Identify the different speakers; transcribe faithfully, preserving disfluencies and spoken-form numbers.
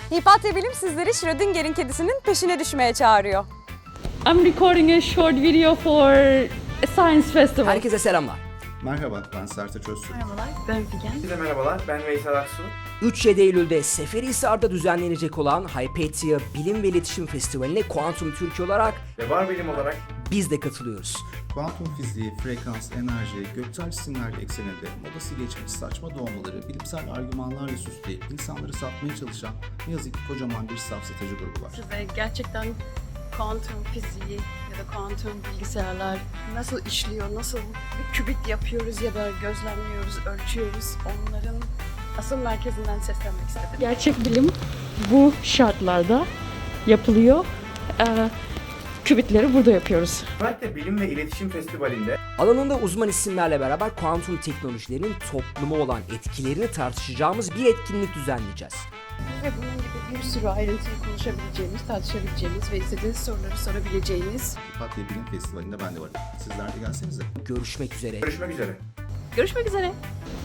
Speaker 1: Hipatya Bilim sizleri Schrödinger'in kedisinin peşine düşmeye çağırıyor.
Speaker 2: I'm recording a short video for a science festival.
Speaker 3: Herkese selamlar.
Speaker 4: Merhaba, ben Sertaç Öztürk.
Speaker 5: Merhabalar, ben Figen.
Speaker 6: Herkese merhabalar, ben Veysel Aksu.
Speaker 3: üç yedi Eylül'de Seferihisar'da düzenlenecek olan Hypatia Bilim ve İletişim Festivali'ne Kuantum Türkiye olarak
Speaker 6: Ve var bilim olarak
Speaker 3: biz de katılıyoruz.
Speaker 4: Kuantum fiziği, frekans, enerji, göksel cisimler ekseninde modası geçmiş saçma doğmaları bilimsel argümanlarla süsleyip insanları satmaya çalışan ne yazık ki kocaman bir safsatıcı grubu var.
Speaker 5: Size gerçekten kuantum fiziği ya da kuantum bilgisayarlar nasıl işliyor, nasıl bir kübit yapıyoruz ya da gözlemliyoruz, ölçüyoruz, onların asıl merkezinden seslenmek istedim.
Speaker 2: Gerçek bilim bu şartlarda yapılıyor. Ee, kübitleri burada yapıyoruz.
Speaker 6: Hypatia Bilim ve İletişim Festivali'nde
Speaker 3: Alanında uzman isimlerle beraber kuantum teknolojilerinin topluma olan etkilerini tartışacağımız bir etkinlik düzenleyeceğiz.
Speaker 5: Ve bunun gibi bir sürü ayrıntıyı konuşabileceğimiz, tartışabileceğimiz ve istediğiniz soruları sorabileceğiniz.
Speaker 4: Hipatya Bilim Festivali'nde ben de varım. Sizler de gelsenize.
Speaker 3: Görüşmek üzere.
Speaker 6: görüşmek üzere.
Speaker 5: Görüşmek üzere.